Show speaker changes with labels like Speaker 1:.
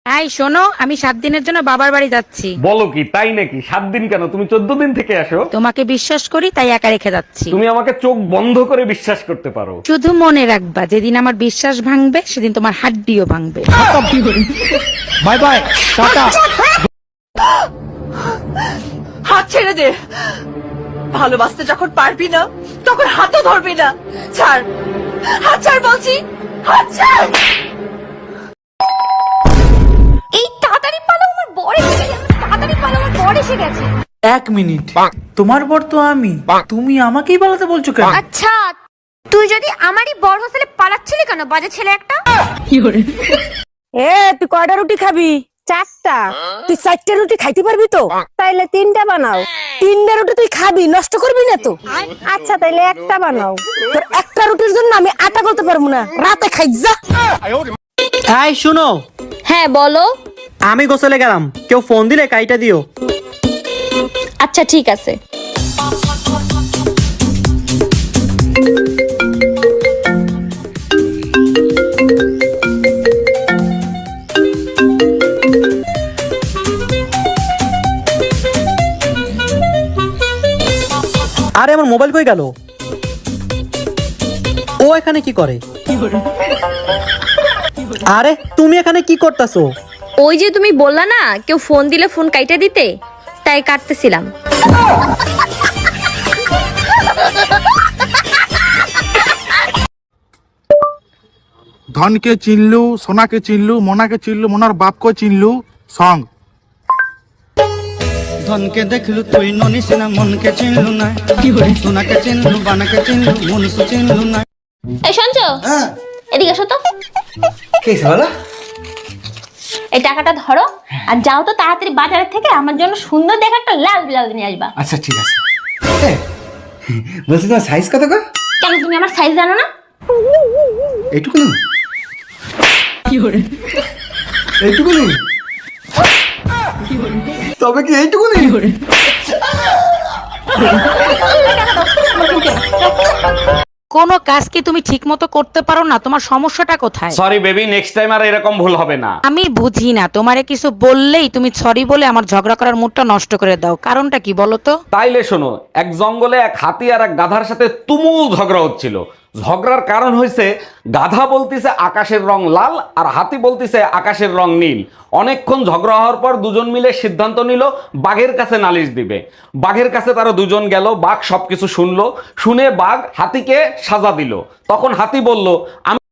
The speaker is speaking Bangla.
Speaker 1: এই শোনো, আমি 7 দিনের জন্য বাবার বাড়ি যাচ্ছি।
Speaker 2: বলো কি, তাই নাকি? 7 দিন কেন, তুমি 14 দিন থেকে আসো।
Speaker 1: তোমাকে বিশ্বাস করি তাই একা রেখে যাচ্ছি।
Speaker 2: তুমি আমাকে চোখ বন্ধ করে বিশ্বাস করতে পারো।
Speaker 1: শুধু মনে রাখবা, যেদিন আমার বিশ্বাস ভাঙবে সেদিন তোমার হাড্ডিও ভাঙবে।
Speaker 3: Bye bye, tata.
Speaker 4: হাত ছেড়ে দে। ভালোবাসতে যখন পারবি না তখন হাতও ধরবি না। ছাড়, হাত ছাড় বলছি, হাত ছাড়।
Speaker 5: এই তাড়াতাড়ি পালো, আমার বর এসে গেছে। তাড়াতাড়ি পালো, আমার বর এসে গেছে।
Speaker 3: 1 মিনিট, তোমার বর তো আমি, তুমি আমাকেই পালাতে বলছো কেন?
Speaker 5: আচ্ছা, তুই যদি আমারই বর হোস্টেলে পালাচ্ছিলি কেন, বাজে ছেলে একটা?
Speaker 6: এ তুই কয়টা রুটি খাবি? 4টা। তুই 4টা রুটি খাইতে পারবি তো? তাইলে 3টা বানাও। 3টা রুটি তুই খাবি, নষ্ট করবি না তো? আচ্ছা তাইলে একটা বানাও। তোর একটা রুটির জন্য আমি আটা করতে পারবো না, রাতে খাই যা।
Speaker 7: এই শুনো,
Speaker 5: হ্যাঁ বলো।
Speaker 7: আমি গোসলে গেলাম, কেউ ফোন দিলে কাইটা দিও।
Speaker 5: আচ্ছা ঠিক আছে।
Speaker 7: আরে আমার মোবাইল কই গেল? ও এখানে কি করে? আরে তুমি এখানে কি করতেছো?
Speaker 5: ওই যে তুমি বললা না কেউ ফোন দিলে ফোন কাইটা দিতে, তাই কাটতেছিলাম।
Speaker 8: ধনকে চিনলু, সোনাকে চিনলু, মোনাকে চিনলু, মোনার বাপকে চিনলু। সং
Speaker 9: ধনকে দেখলু তুই ননিস না, মনকে চিনলু না, সোনাকে চিনলু, বানাকে চিনলু, মনুষ চিনলু না।
Speaker 5: এই শুনছো? এদিকে এসো তো। এই টাকাটা ধরো আর যাও তো তাড়াতাড়ি বাজারের থেকে আমার জন্য সুন্দর দেখে একটা লাল ব্লাউজ নিয়ে আসবা।
Speaker 9: আচ্ছা ঠিক আছে। বলছি তোমার সাইজ কত গো?
Speaker 5: কেন তুমি আমার সাইজ জানো না?
Speaker 9: এইটুকু না, এইটুকু নেই, তবে কি এইটুকু নেই?
Speaker 1: কোনো কাজ কি তুমি ঠিক মতো করতে পারো না? তোমার সমস্যাটা কোথায়?
Speaker 2: সরি বেবি, নেক্সট টাইম আর এরকম ভুল হবে না।
Speaker 1: আমি বুঝি না, তোমারে কিছু বললেই তুমি সরি বলে আমার ঝগড়া করার মুডটা নষ্ট করে দাও। কারণটা কি বলো তো?
Speaker 2: তাইলে শোনো, এক জঙ্গলে এক হাতি আর এক গাধার সাথে তুমুল ঝগড়া হচ্ছিল। ঝগড়ার কারণ হয়েছে গাধা বলতিছে আকাশের রং লাল আর হাতি বলতিছে আকাশের রং নীল। অনেকক্ষণ ঝগড়া হওয়ার পর দুজন মিলে সিদ্ধান্ত নিল বাঘের কাছে নালিশ দিবে। বাঘের কাছে তারা দুজন গেল, বাঘ সবকিছু শুনলো, শুনে বাঘ হাতিকে সাজা দিল। তখন হাতি বলল, আমি